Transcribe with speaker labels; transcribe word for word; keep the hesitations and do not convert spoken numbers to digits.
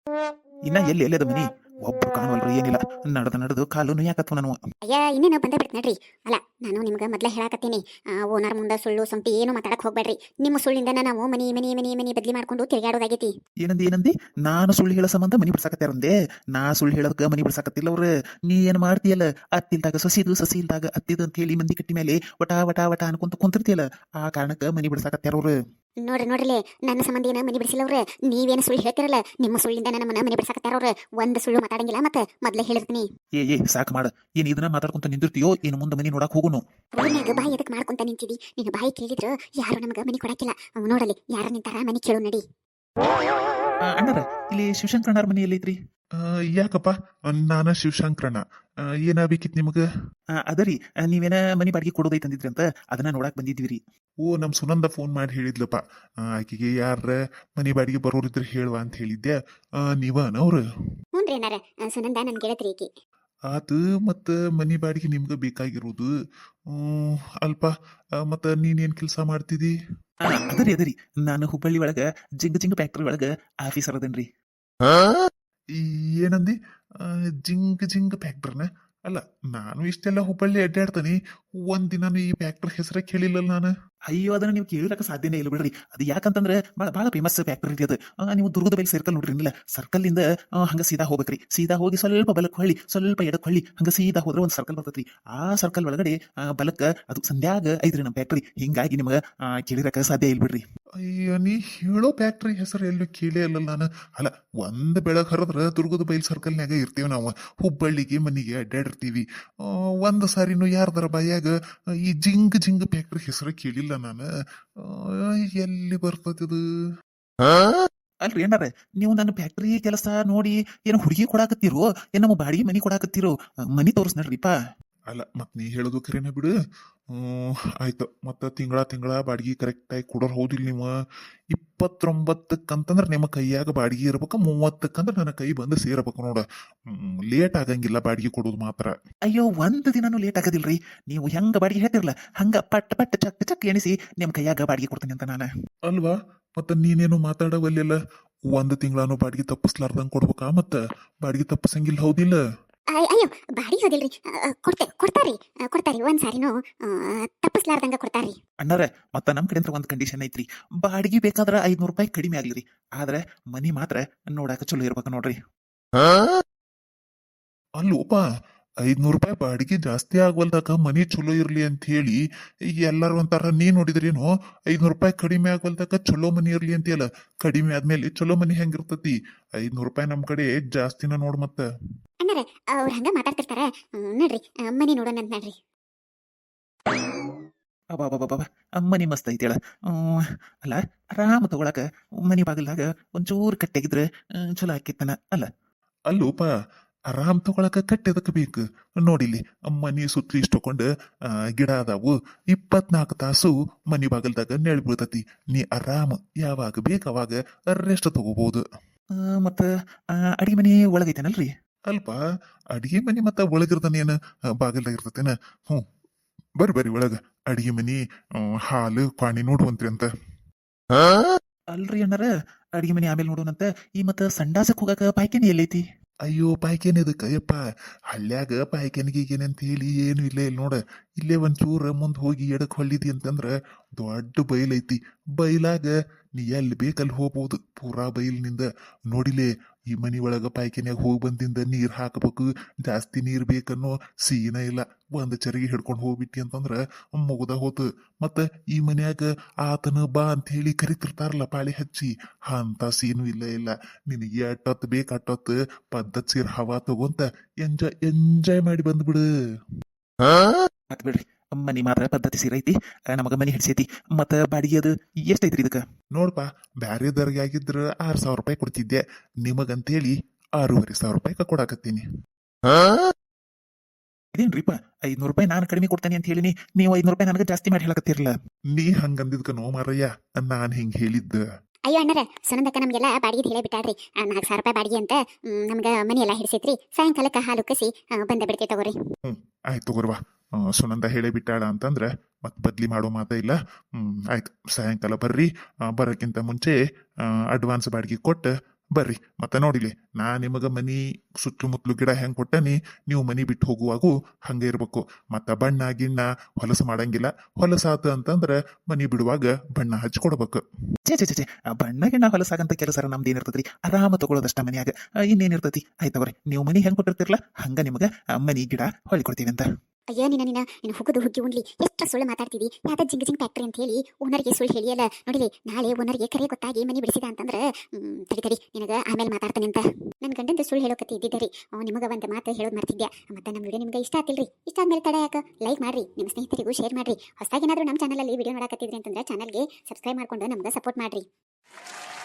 Speaker 1: ಇನ್ನ ಎಲ್ಲಿ ಎಲ್ಲದ ಮನಿ ಒಬ್ರು ಕಾಣವಲ್ರಿ ಏನಿಲ್ಲ. ನಡೆದು ನಡೆದು ಕಾಲು ಯಾಕತ್ವ ನಾನು.
Speaker 2: ಅಯ್ಯ ಇನ್ನೇನು ಬಂದ ಬಿಡ್ತು ನಡ್ರಿ. ಅಲ್ಲ ನಾನು ನಿಮ್ಗೆ ಮೊದಲೇ ಹೇಳಾಕತ್ತೀನಿ, ಓನರ್ ಮುಂದೆ ಸುಳ್ಳು ಸಂತಿ ಏನು ಮಾತಾಡಕ್ ಹೋಗ್ಬೇಡ್ರಿ. ನಿಮ್ಮ ಸುಳ್ಳಿಂದ ನಾವು ಮನಿ ಮನಿ ಮನಿ ಮನಿ ಬದಲಿ ಮಾಡ್ಕೊಂಡು ತಿರುಗಾಡೋದಾಗೈತಿ.
Speaker 1: ಏನಂದಿ ಏನಂದಿ? ನಾನು ಸುಳ್ಳು ಹೇಳೋ ಸಂಬಂಧ ಮನಿ ಬಿಡ್ಸಾಕತ್ಯಾರಂದೆ. ನಾ ಸುಳ್ಳು ಹೇಳೋದಕ್ಕೆ ಮನಿ ಬಿಡ್ಸಾಕತ್ತಿಲ್ಲ ಅವ್ರು. ನೀ ಏನ್ ಮಾಡ್ತೀಯಲ್ಲ, ಅತ್ತಿಲ್ದಾಗ ಸೊಸಿದು ಸಸಿ ಇಲ್ದಾಗ ಅತ್ತಿದು ಅಂತ ಹೇಳಿ ಮಂದಿ ಕಟ್ಟಿ ಮೇಲೆ ವಟ ವಟ ವಟ ಅನ್ಕೊಂತ ಕುಂತಿರ್ತೀಯಲ್ಲ, ಆ ಕಾರಣಕ್ಕೆ ಮನಿ ಬಿಡ್ಸಾಕತ್ಯಾರ ಅವ್ರು.
Speaker 2: ನೋಡ್ರಿ ನೋಡ್ರಿಲೆ, ನನ್ನ ಸಂಬಂಧ ಏನ ಮನಿ ಬಿಡಿಸಿಲ್ಲವ್ರೆ. ನೀವೇನು ಸುಳ್ಳು ಹೇಳ್ತಿರಲ್ಲ, ನಿಮ್ಮ ಸುಳ್ಳಿಂದ ನನ್ನ ಮನ ಮನಿ ಬಿಡ್ಸಾಕತ್ತಾರವ್ರೆ. ಒಂದು ಸುಳ್ಳು ಮಾತಾಡಂಗಿಲ್ಲ. ಮತ್ತೆ ಮೊದಲೇ ಹೇಳಿರ್ತೀನಿ.
Speaker 1: ಏ ಏ ಸಾಕು ಮಾಡ. ಏನ್ ಇದನ್ನ ಮಾತಾಡ್ಕೊಂತ ನಿಂದಿರ್ತೀಯೋ ಏನು ಮುಂದೆ ಮನಿ ನೋಡಕ್ ಹೋಗುನು?
Speaker 2: ರೋಡ್ನ್ಯಾಗ ಬಾಯಿ ಎದಕ್ ಮಾಡ್ಕೊಂತ ನಿಂತಿದಿ? ನಿನ್ನ ಬಾಯಿ ಕೇಳಿದ್ರು ಯಾರು ನಮಗ ಮನಿ ಕೊಡಾಕಿಲ್ಲ. ಅವ್ ನೋಡಲಿ ಯಾರ ನಿಂತಾರ ಮನಿ ಕೇಳು ನಡಿ.
Speaker 1: ಆ, ಅಣ್ಣಾರ ಇಲ್ಲಿ ಶಿವಶಂಕರಣ್ಣಾರ ಮನಿ ಎಲ್ಲೈತ್ರಿ?
Speaker 3: ಆ, ಯಾಕಪ್ಪ ನಾನ ಶಿವಶಂಕರಣ್ಣ, ಆ, ಏನಾಗ್ಬೇಕಿತ್ತು ನಿಮಗೆ?
Speaker 1: ಆ, ಅದರಿ ಆ, ನೀವೇನ ಮನಿ ಬಾಡಿಗೆ ಕೊಡೋದೈತೆ ಅಂದಿದ್ರಿ ಅಂತ ಅದನ್ನ ನೋಡಾಕ್ ಬಂದಿದ್ವಿ.
Speaker 3: ಓ, ನಮ್ಮ ಸುನಂದ ಫೋನ್ ಮಾಡಿ ಹೇಳಿದ್ಲಪ್ಪ, ಆ, ಆಕೆಗೆ ಯಾರ ಮನಿ ಬಾಡಿಗೆ ಬರೋರಿದ್ರೆ ಹೇಳುವ ಅಂತ ಹೇಳಿದ್ದೆ. ಆ, ನೀವನವ್ರು?
Speaker 2: ಹ್ಞೂನ್ರಿ ಏನಾರ ಸುನಂದ ನನ್ ಗೆಳತ್ರಿ ಈಕಿ.
Speaker 3: ಆತು, ಮತ್ತು ಮನಿ ಬಾಡಿಗೆ ನಿಮ್ಗೆ ಬೇಕಾಗಿರೋದು. ಹ್ಮ್, ಅಲ್ಪ, ಮತ್ತು ನೀನೇನು ಕೆಲಸ ಮಾಡ್ತಿದ್ದಿ?
Speaker 1: ಆ, ಅದರಿ ಅದರಿ ನಾನು ಹುಬ್ಬಳ್ಳಿ ಒಳಗ ಜಿಂಗ್ ಜಿಂಗ್ ಫ್ಯಾಕ್ಟ್ರಿ ಒಳಗ ಆಫೀಸರ್ ಅದನ್ರಿ.
Speaker 3: ಈ ಏನಂದಿ? ಆ, ಜಿಂಗ್ ಜಿಂಗ್ ಫ್ಯಾಕ್ಟ್ರಿನ? ಅಲ್ಲ, ನಾನು ಇಷ್ಟೆಲ್ಲ ಹುಬ್ಬಳ್ಳಿ ಅಡ್ಡಾಡ್ತಾನೆ, ಒಂದಿನಾನು ಈ ಫ್ಯಾಕ್ಟ್ರಿ ಹೆಸರೇ ಕೇಳಿಲ್ಲಲ್ಲ ನಾನು.
Speaker 1: ಅಯ್ಯೋ ಅದನ್ನ ನೀವು ಕೇಳಿರಕ್ಕೆ ಸಾಧ್ಯನೇ ಇಲ್ಲ ಬಿಡ್ರಿ. ಅದು ಯಾಕಂತಂದ್ರೆ ಭಾಳ ಭಾಳ ಫೇಮಸ್ ಫ್ಯಾಕ್ಟ್ರಿ ರೀ ಅದು. ಆ, ನೀವು ದುರ್ಗದ ಬೈಲ್ ಸರ್ಕಲ್ ನೋಡ್ರಿ ಇಲ್ಲ, ಸರ್ಕಲ್ ಇಂದ ಆ, ಹಂಗ ಸೀದಾ ಹೋಗ್ಬೇಕ್ರಿ. ಸೀದಾ ಹೋಗಿ ಸ್ವಲ್ಪ ಬಲಕ್ ಹೊಳ್ಳಿ, ಸ್ವಲ್ಪ ಎಡಕ್ ಹೊಳ್ಳಿ, ಹಂಗ ಸೀದಾ ಹೋದ್ರೆ ಒಂದು ಸರ್ಕಲ್ ಬರ್ತೈತ್ರಿ. ಆ ಸರ್ಕಲ್ ಒಳಗಡೆ ಆ, ಬಲಕ್ಕ ಅದು ಸಂಧ್ಯಾಗ ಐತ್ರಿ ನಮ್ಮ ಫ್ಯಾಕ್ಟ್ರಿ. ಹಿಂಗಾಗಿ ನಿಮ್ಗೆ ಕೇಳಿರಕ್ಕೆ ಸಾಧ್ಯ ಇಲ್ಲ ಬಿಡ್ರಿ.
Speaker 3: ಅಯ್ಯೋ, ನೀ ಹೇಳೋ ಫ್ಯಾಕ್ಟ್ರಿ ಹೆಸರು ಎಲ್ಲೂ ಕೇಳೇ ಅಲ್ಲಲ್ಲ ನಾನು. ಅಲ್ಲ, ಒಂದ್ ಬೆಳಗ್ ಹರಿದ್ರ ದುರ್ಗದ ಬೈಲ್ ಸರ್ಕಲ್ನಾಗ ಇರ್ತೀವಿ ನಾವು. ಹುಬ್ಬಳ್ಳಿಗೆ ಮನಿಗೆ ಅಡ್ಡಾಡಿರ್ತೀವಿ. ಆ, ಒಂದ್ ಸಾರಿನೂ ಯಾರ್ದರ ಬಾಯಾಗ ಈ ಜಿಂಗ್ ಜಿಂಗ್ ಫ್ಯಾಕ್ಟ್ರಿ ಹೆಸರು ಕೇಳಿಲ್ಲ ನಾನು. ಆ, ಎಲ್ಲಿ ಬರ್ತದಿದು?
Speaker 1: ಅಲ್ರಿ ಏನಾರ ನೀವು ನನ್ನ ಫ್ಯಾಕ್ಟ್ರಿ ಕೆಲಸ ನೋಡಿ ಏನು ಹುಡುಗಿ ಕೊಡಾಕತ್ತೀರೋ ಏನು ನಮ್ಮ ಬಾಡಿಗೆ ಮನಿ ಕೊಡಾಕತ್ತೀರೋ? ಆ, ಮನಿ ತೋರಿಸ್ ನಡ್ರಿಪ್ಪ.
Speaker 3: ಅಲ್ಲ, ಮತ್ ನೀ ಹೇಳೋದು ಖರೇನ ಬಿಡು. ಹ್ಮ್, ಆಯ್ತು. ಮತ್ತ ತಿಂಗಳ ತಿಂಗಳ ಬಾಡಿಗೆ ಕರೆಕ್ಟಾಗಿ ಕೊಡೋರು ಹೌದಿಲ್ಲ ನೀವು? ಇಪ್ಪತ್ತೊಂಬತ್ತಕ್ಕಂತಂದ್ರೆ ನಿಮ್ಮ ಕೈಯಾಗ ಬಾಡಿಗೆ ಇರ್ಬೇಕು, ಮೂವತ್ತಕ್ಕಂದ್ರೆ ನನ್ನ ಕೈ ಬಂದು ಸೇರ್ಬೇಕು ನೋಡ. ಹ್ಮ್, ಲೇಟ್ ಆಗಂಗಿಲ್ಲ ಬಾಡಿಗೆ ಕೊಡೋದು ಮಾತ್ರ.
Speaker 1: ಅಯ್ಯೋ ಒಂದು ದಿನಾನು ಲೇಟ್ ಆಗೋದಿಲ್ರಿ. ನೀವು ಹೆಂಗ ಬಾಡಿಗೆ ಹೇಳ್ತಿರಲ್ಲ ಹಂಗ ಪಟ್ ಪಟ್ ಚಕ್ ಚಕ್ ಎಣಿಸಿ ನಿಮ್ ಕೈಯಾಗ ಬಾಡಿಗೆ ಕೊಡ್ತೀನಿ ಅಂತ ನಾನು.
Speaker 3: ಅಲ್ವಾ? ಮತ್ತ ನೀನೇನು ಮಾತಾಡವಲ್ಲೆಲ್ಲ. ಒಂದು ತಿಂಗಳಾನು ಬಾಡಿಗೆ ತಪ್ಪಿಸ್ಲಾರ್ದಂಗ್ ಕೊಡ್ಬೇಕಾ? ಮತ್ತ ಬಾಡಿಗೆ ತಪ್ಪಿಸಂಗಿಲ್ಲ ಹೌದಿಲ್ಲ?
Speaker 2: ಅಯ್ಯ- ಅಯ್ಯೋ ಬಾಡಿ ಹೋದಿಲ್ರಿ. ಕೊಡ್ತೆ ಕೊಡ್ತಾರಿ ಆ, ಕೊಡ್ತಾರಿ ಒಂದ್ ಸಾರಿನೂ ಆ, ತಪ್ಪಿಸ್ಲಾರ್ದಂಗ ಕೊಡ್ತಾರಿ.
Speaker 1: ಅಣ್ಣಾರ ಮತ್ತ ನಮ್ ಕಡೆ ಒಂದು ಕಂಡೀಷನ್ ಐತ್ರಿ. ಬಾಡಿಗೆ ಬೇಕಾದ್ರೆ ಐದ್ನೂರು ರೂಪಾಯಿ ಕಡಿಮೆ ಆಗ್ಲಿರಿ, ಆದ್ರೆ ಮನಿ ಮಾತ್ರ ನೋಡಾಕ ಚಲೋ ಇರ್ಬೇಕು ನೋಡ್ರಿ.
Speaker 3: ಅಲ್ಲೋಪ, ಐದ್ನೂರು ರೂಪಾಯಿ ಬಾಡಿಗೆ ಜಾಸ್ತಿ ಆಗ್ವಲ್ದಾಗ ಮನಿ ಚಲೋ ಇರ್ಲಿ ಅಂತ ಹೇಳಿ ಈಗ ಎಲ್ಲಾರು ಒಂಥರ ನೀ ನೋಡಿದ್ರೇನು ಐದ್ನೂರು ರೂಪಾಯಿ ಕಡಿಮೆ ಆಗ್ವಲ್ದಾಗ ಚಲೋ ಮನಿ ಇರ್ಲಿ ಅಂತೀಯಲ್ಲ. ಕಡಿಮೆ ಆದ್ಮೇಲೆ ಚಲೋ ಮನಿ ಹೆಂಗಿರ್ತತಿ? ಐದ್ನೂರು ರೂಪಾಯಿ ನಮ್ ಕಡೆ ಜಾಸ್ತಿನ ನೋಡ್ ಮತ್ತ.
Speaker 2: ಅಣ್ಣಾರ ಅವ್ರ ಹಂಗ ಮಾತಾಡ್ತಿರ್ತಾರ. ಹ್ಮ್, ನಡ್ರಿ ಆ, ಮನಿ ನೋಡೋಣ ಅಂತ ನಡ್ರಿ.
Speaker 1: ಅಬ್ಬಾಬಾಬಾಬಾ ಮನಿ ಮಸ್ತ್ ಐತೇಳ. ಹ್ಮ್, ಅಲ್ಲ ಆರಾಮ ತಗೊಳಕ ಮನಿ ಬಾಗಿಲ್ದಾಗ ಒಂಚೂರು ಕಟ್ಟೆಗಿದ್ರೆ ಹ್ಮ್, ಚಲೋ ಆಕಿತ್ತನ ಅಲ್ಲ.
Speaker 3: ಅಲ್ಲೋಪ, ಆರಾಮ್ ತಗೊಳಕ ಕಟ್ಟೆದಕ್ ಬೇಕು ನೋಡಿಲಿ. ಮನಿ ಸುತ್ತಲಿ ಇಷ್ಟಕೊಂಡ್ ಆ ಗಿಡ ಅದಾವು. ಇಪ್ಪತ್ನಾಲ್ಕು ತಾಸು ಮನಿ ಬಾಗಲ್ದಾಗ ನೆಳ್ ಬೀಳ್ತತಿ. ನೀ ಆರಾಮ್ ಯಾವಾಗ ಬೇಕ ಅವಾಗ ರೆಸ್ಟ್ ತಗೋಬಹುದು.
Speaker 1: ಆ, ಮತ್ತ ಆ, ಅಡಿಗೆ ಮನಿ ಒಳಗೈತೇನಲ್ರಿ?
Speaker 3: ಅಲ್ಪ, ಅಡಿಗೆ ಮನಿ ಮತ್ತ ಒಳಗಿರ್ದನೇನ ಬಾಗಲ್ದಾಗ ಇರ್ತತೇನ? ಹ್ಞೂ, ಬರ್ರಿ ಬರ್ರಿ ಒಳಗ. ಅಡಿಗೆ ಮನಿ, ಆ, ಹಾಲು ಪಾಣಿ ನೋಡುವಂತ್ರಿ ಅಂತ.
Speaker 1: ಅಲ್ರಿ ಅಣ್ಣಾರ, ಅಡಿಗೆ ಮನಿ ಆಮೇಲೆ ನೋಡೋಣಂತ. ಈ ಮತ್ತ ಸಂಡಾಸಕ್ ಹೋಗಾಕ ಪಾಯ್ಕೆನಿ ಎಲ್ಲೈತಿ?
Speaker 3: ಅಯ್ಯೋ, ಪಾಯ್ಕೇನ್ ಇದಕ್ಕ ಯಪ್ಪ? ಹಳ್ಳ್ಯಾಗ ಪಾಯ್ಕೆನಿಗೇನೆ ಅಂತ ಹೇಳಿ ಏನು ಇಲ್ಲೇ ಇಲ್ಲ ನೋಡ. ಇಲ್ಲೇ ಒಂಚೂರ ಮುಂದ್ ಹೋಗಿ ಎಡಕ್ ಹೊಳ್ಳಿದಿ ಅಂತಂದ್ರ ದೊಡ್ಡ ಬೈಲೈತಿ. ಬೈಲಾಗ ನೀ ಎಲ್ಲಿ ಬೇಕಲ್ಲಿ ಹೋಗ್ಬೋದು. ಪೂರಾ ಬೈಲ್ನಿಂದ ನೋಡಿಲೆ. ಈ ಮನಿ ಒಳಗ ಪಾಯ್ಕೆನ್ಯಾಗ ಹೋಗಿ ಬಂದಿಂದ ನೀರ್ ಹಾಕಬೇಕು. ಜಾಸ್ತಿ ನೀರ್ ಬೇಕನ್ನೋ ಸೀನ ಇಲ್ಲ. ಒಂದ್ ಚರಿಗೆ ಹಿಡ್ಕೊಂಡು ಹೋಗ್ಬಿಟ್ಟಿ ಅಂತಂದ್ರ ಮುಗ್ದ ಹೋತು. ಮತ್ತ ಈ ಮನ್ಯಾಗ ಆತನ ಬಾ ಅಂತ ಹೇಳಿ ಕರಿತಿರ್ತಾರಲ್ಲ ಪಾಳಿ ಹಚ್ಚಿ, ಅಂತ ಸೀನು ಇಲ್ಲ ಇಲ್ಲ. ನಿನಗೆ ಅಟ್ಟೊತ್ತು ಬೇಕ ಅಟ್ಟೊತ್ತು ಪದ್ಧತ್ ಸೀರ್ ಹವಾ ತಗೊಂತ ಎಂಜಾಯ್ ಎಂಜಾಯ್ ಮಾಡಿ ಬಂದ್ಬಿಡು.
Speaker 1: ಮತ್ ಬಿಡ್ರಿ, ಮನಿ ಮಾತ್ರ ಪದ್ಧತಿ ಸೀರೈತಿ, ನಮಗ ಮನಿ ಹಿಡ್ಸೈತಿ. ಮತ್ತ ಬಾಡಿಗೆ ಅದು ಎಷ್ಟೈತ್ರಿ ಇದಕ್ಕ?
Speaker 3: ನೋಡ್ಪಾ, ಬ್ಯಾರೆದವ್ರಿಗೆ ಆಗಿದ್ರ ಆರ್ ಸಾವಿರ ರೂಪಾಯಿ ಕೊಡ್ತಿದ್ದೆ. ನಿಮಗಂತೇಳಿ ಆರೂವರೆ ಸಾವಿರ ರೂಪಾಯಿ ಕೊಡಾಕತ್ತೀನಿ.
Speaker 1: ಇದೇನ್ರಿಪ್ಪ, ಐದ್ನೂರು ರೂಪಾಯಿ ನಾನು ಕಡಿಮೆ ಕೊಡ್ತೇನೆ ಅಂತ ಹೇಳಿನಿ, ನೀವು ಐದ್ನೂರು ರೂಪಾಯಿ ನನಗೆ ಜಾಸ್ತಿ ಮಾಡಿ ಹೇಳಕತ್ತಿರಲ್ಲ.
Speaker 3: ನೀ ಹಂಗಂದಿದ್ಕ ನೋ ಮಾರಯ್ಯ, ನಾನ್ ಹಿಂಗ್ ಹೇಳಿದ್ದ.
Speaker 2: ಅಯ್ಯೋ ಅಣ್ಣಾರ, ಸುನಂದಕ್ಕ ನಮ್ಗೆಲ್ಲ ಬಾಡಿಗೆ ಹೇಳೇ ಬಿಟ್ಟಾಡ್ರಿ. ನಾಲ್ಕು ಸಾವಿರ ರೂಪಾಯಿ ಬಾಡಿಗೆ ಅಂತ. ಹ್ಮ್, ನಮ್ಗ ಮನಿ ಎಲ್ಲ ಹಿಡಿಸೈತ್ರಿ. ಸಾಯಂಕಾಲಕ್ಕ ಹಾಲು ಕಸಿ ಆ, ಬಂದ ಬಿಡ್ತೈತೆ ತಗೋರಿ.
Speaker 3: ಹ್ಮ್, ಆಯ್ತು ತಗೋರ್ವಾ. ಆ, ಸುನಂದ ಹೇಳೇ ಬಿಟ್ಟಾಳ ಅಂತಂದ್ರ ಮತ್ ಬದ್ಲಿ ಮಾಡೋ ಮಾತ ಇಲ್ಲ. ಹ್ಮ್, ಆಯ್ತು. ಸಾಯಂಕಾಲ ಬರ್ರಿ. ಆ, ಬರೋಕ್ಕಿಂತ ಮುಂಚೆ ಅಡ್ವಾನ್ಸ್ ಬಾಡಿಗೆ ಕೊಟ್ಟು ಬರ್ರಿ ಮತ್ತೆ ನೋಡಿಲಿ ನಾ ನಿಮಗ ಮನಿ ಸುತ್ತಮುತ್ತಲು ಗಿಡ ಹೆಂಗ್ ಕೊಟ್ಟನಿ ನೀವು ಮನಿ ಬಿಟ್ಟು ಹೋಗುವಾಗೂ ಹಂಗೆ ಇರ್ಬೇಕು ಮತ್ತ ಬಣ್ಣ ಗಿಣ್ಣ ಹೊಲಸು ಮಾಡಂಗಿಲ್ಲ ಹೊಲಸಾತ ಅಂತಂದ್ರ ಮನಿ ಬಿಡುವಾಗ ಬಣ್ಣ ಹಚ್ಕೊಡ್ಬೇಕು.
Speaker 1: ಚೇ ಚೇ ಚೇ ಚೇ ಆ ಬಣ್ಣ ಗಿಣ್ಣ ಹೊಲಸಾಗಂತ ಕೆಲಸ ನಮ್ದು ಏನಿರ್ತದ್ರಿ ಆರಾಮ ತಗೊಳ್ಳೋದಷ್ಟ ಮನ್ಯಾಗ ಆ, ಇನ್ನೇನಿರ್ತತಿ ಆಯ್ತವ್ರಿ ನೀವು ಮನಿ ಹೆಂಗ್ ಕೊಟ್ಟಿರ್ತಿರ್ಲ ಹಂಗ ನಿಮಗ ಆ, ಮನಿ ಗಿಡ ಹೊಳಿ ಕೊಡ್ತೀವಿ ಅಂತ.
Speaker 2: ಅಯ್ಯ ನಿನ್ನ ನಿನ್ನ ನೀನು ಹುಗುದು ಹುಗ್ಗಿ ಉಣ್ಲಿ ಎಷ್ಟು ಸುಳ್ಳು ಮಾತಾಡ್ತಿದಿ ಯಾಕ ಜಿಂಗ್ ಜಿಂಗ್ ಫ್ಯಾಕ್ಟ್ರಿ ಅಂತ ಹೇಳಿ ಓನರ್ಗೆ ಸುಳ್ಳು ಹೇಳಿಯಲ್ಲ ನೋಡಿಲಿ ನಾಳೆ ಓನರ್ಗೆ ಕರೆ ಗೊತ್ತಾಗಿ ಮನಿ ಬಿಡಿಸಿದ ಅಂತಂದ್ರೆ ಹ್ಮ್, ತಡಿ ತಡಿ ನಿನಗ ಆಮೇಲೆ ಮಾತಾಡ್ತಾನೆ ಅಂತ ನನ್ನ ಗಂಡಂದು ಸುಳ್ಳು ಹೇಳೋಕತ್ತಿ ಇದ್ದಿದ್ದರಿ ನಿಮಗೆ ಒಂದು ಮಾತು ಹೇಳೋದು ಮಾಡ್ತಿದ್ಯಾ ಮತ್ತೆ ನಮ್ಮ ವಿಡಿಯೋ ನಿಮ್ಗೆ ಇಷ್ಟ ಆತಿಲ್ರಿ ಇಷ್ಟ ಆದ್ಮೇಲೆ ತಡ ಯಾಕ ಲೈಕ್ ಮಾಡ್ರಿ ನಿಮ್ಮ ಸ್ನೇಹಿತರಿಗೂ ಶೇರ್ ಮಾಡ್ರಿ ಹೊಸದಾಗಿ ಏನಾದರೂ ನಮ್ಮ ಚಾನಲಲ್ಲಿ ವಿಡಿಯೋ ನೋಡಕತ್ತಿದ್ರಿ ಅಂತಂದ್ರೆ ಚಾನಲ್ಗೆ ಸಬ್ಸ್ಕ್ರೈಬ್ ಮಾಡ್ಕೊಂಡು ನಮ್ಗೆ ಸಪೋರ್ಟ್ ಮಾಡ್ರಿ.